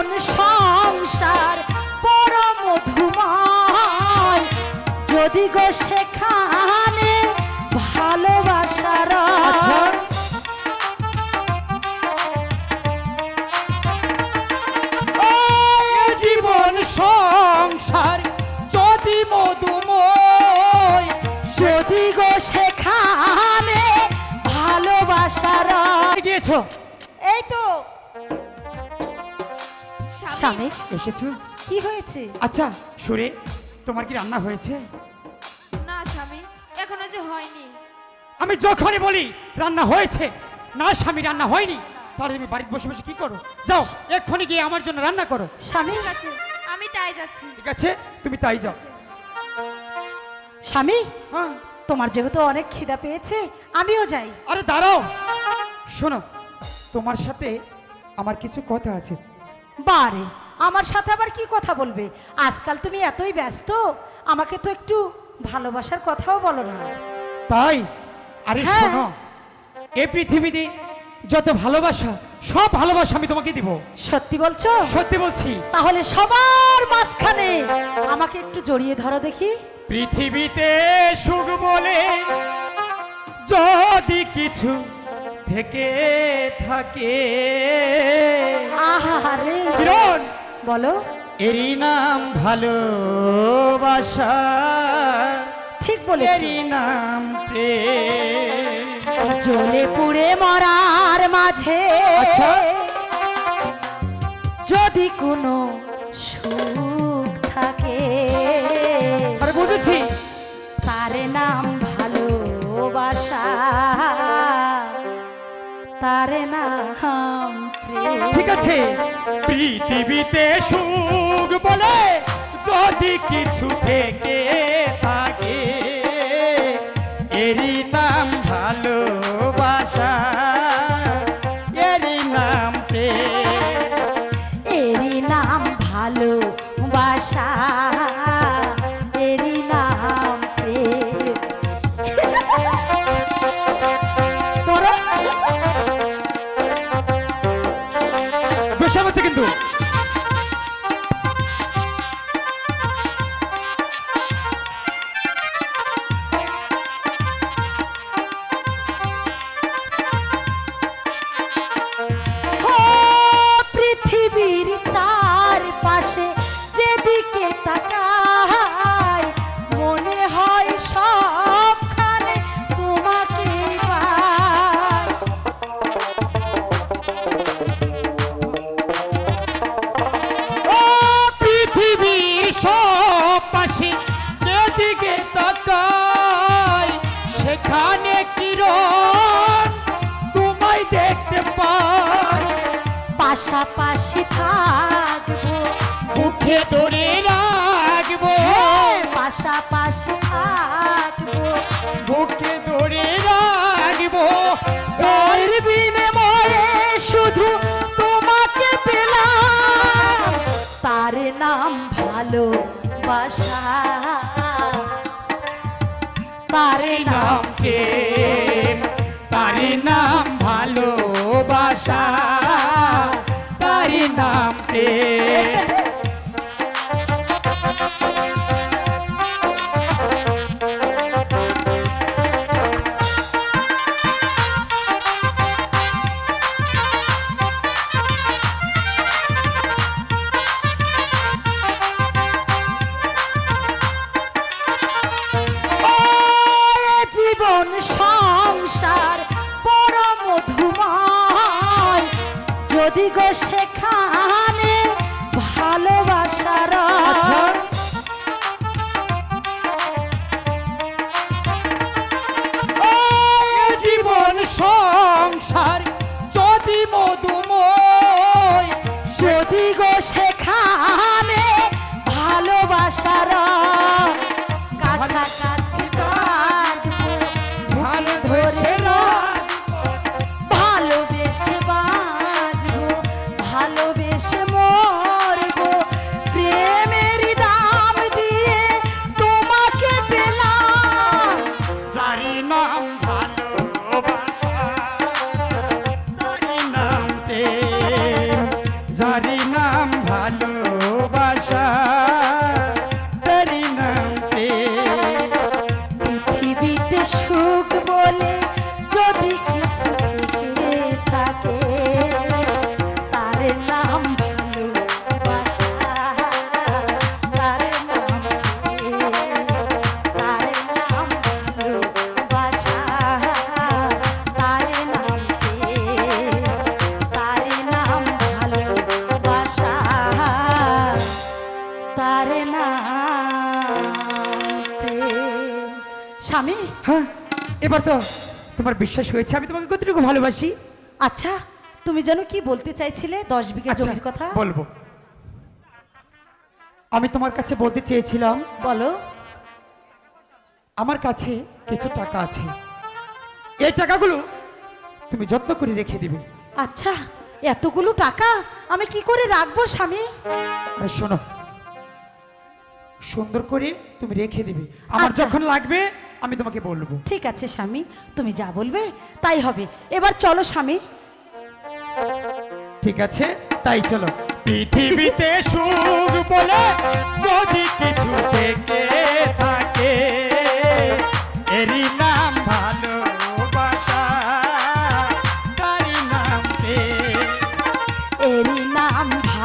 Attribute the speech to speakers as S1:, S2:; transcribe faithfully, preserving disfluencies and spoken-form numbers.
S1: জীবন সংসার পরম মধুময় যদি গো সেখানে ভালোবাসার
S2: জীবন সংসার যদি মধুময়
S1: যদি গো সেখানে ভালোবাসার
S2: গিয়েছো
S1: এই তো স্বামী
S2: এসেছো।
S1: কি হয়েছে?
S2: আচ্ছা সুরে, তোমার কি রান্না হয়েছে?
S3: না স্বামী, এখনো যে হয়নি।
S2: আমি যখনই বলি রান্না হয়েছে, না স্বামী রান্না হয়নি, তাহলে তুমি বাড়িতে বসে বসে কি করো? যাও এক্ষুনি গিয়ে আমার জন্য রান্না করো।
S1: স্বামী
S3: ঠিক আছে, আমি তাই যাচ্ছি।
S2: ঠিক আছে, তুমি তাই যাও।
S1: স্বামী
S2: হ্যাঁ,
S1: তোমার যেহেতু অনেক খিদা পেয়েছে আমিও যাই।
S2: আরে দাঁড়াও, শোনো, তোমার সাথে আমার কিছু কথা আছে।
S1: বারে আমার সাথে আবার কি কথা বলবে? আজকাল তুমি এতই ব্যস্ত, আমাকে তো একটু ভালোবাসার কথাও বলো না।
S2: তাই? আরে
S1: হ্যাঁ।
S2: শোনো, এই পৃথিবীতে যত ভালোবাসা, সব ভালোবাসা আমি তোমাকে দিব।
S1: সত্যি বলছো?
S2: সত্যি বলছি।
S1: তাহলে সবার মাঝখানে আমাকে একটু জড়িয়ে ধরো দেখি।
S2: পৃথিবীতে সুখ বলে যদি কিছু থেকে থাকে,
S1: আহারে
S2: কিরণ,
S1: বলো।
S2: এরই নাম ভালোবাসা,
S1: ঠিক বলেছি।
S2: এরই নাম প্রেম।
S1: জ্বলে পুড়ে মরার মাঝে
S2: আচ্ছা।
S1: যদি কোনো সুখ থাকে,
S2: আরে বুঝেছি,
S1: তার নাম ভালোবাসা, তার নাম প্রেম।
S2: ঠিক আছে। পৃথিবীতে সুখ বলে যদি কিছু থেকে থাকে, এরই নাম ভালোবাসা, এরই নাম প্রেম।
S1: এরই নাম ভালোবাসা, এরই নাম প্রেম। ধরো।
S2: বসে বসে কিন্তু
S1: ও পৃথিবীর চারপাশে যেদিকে তাকাই, মনে হয় সবখানে তোমাকে পাই।
S2: ও পৃথিবীর সব পাশে যেদিকে তাকাই, সেখানে কিরণ তোমায় দেখতে পাই।
S1: পাশাপাশি থাকবো,
S2: মুখে ধরে রাখবো,
S1: হ্যাঁ, পাশাপাশি থাকবো,
S2: বুকে ধরে রাখবো।
S1: তার বিনিময়ে শুধু তোমাকে পেলাম, তার নাম ভালোবাসা, তার নাম
S2: নাম প্রেম, তারি নাম ভালোবাসা, তারি নাম প্রেম।
S1: ও জীবন সংসার পরম মধুময় যদি গো সেখানে ভালোবাসার
S2: আচ্ছা। ও জীবন সংসার যদি মধুময়,
S1: যদি গো সেখানে ভালোবাসার কাছাকাছি থাকবো,
S2: ভালোবেসে
S1: ভালোবেসে বাঁচবো, ভালোবেসে মরবো, প্রেমের দাম দিয়ে তোমাকে পেলাম,
S2: যারি নাম ভালোবাসা, তারি নাম প্রেম, যারি নাম হ্যাঁ এবার তো তোমার বিশ্বাস হয়েছে আমি তোমাকে কতটুকু ভালোবাসি।
S1: আচ্ছা তুমি যেন কি বলতে চাইছিলে দশ বিঘা
S2: আচ্ছা,
S1: জমির কথা?
S2: বলবো। আমি তোমার কাছে বলতে চেয়েছিলাম
S1: বলো।
S2: আমার কাছে কিছু টাকা আছে, এই টাকাগুলো তুমি যত্ন করে রেখে দিবে।
S1: আচ্ছা এতগুলো টাকা আমি কি করে রাখবো স্বামী?
S2: আরে শোনো, সুন্দর করে তুমি রেখে দিবে, আমার
S1: আচ্ছা।
S2: যখন লাগবে আমি তোমাকে বলবো।
S1: ঠিক আছে স্বামী, তুমি যা বলবে তাই হবে। এবার চলো স্বামী।
S2: ঠিক আছে তাই চলো। পৃথিবীতে সুখ বলে যদি কিছু থেকে থাকে এরই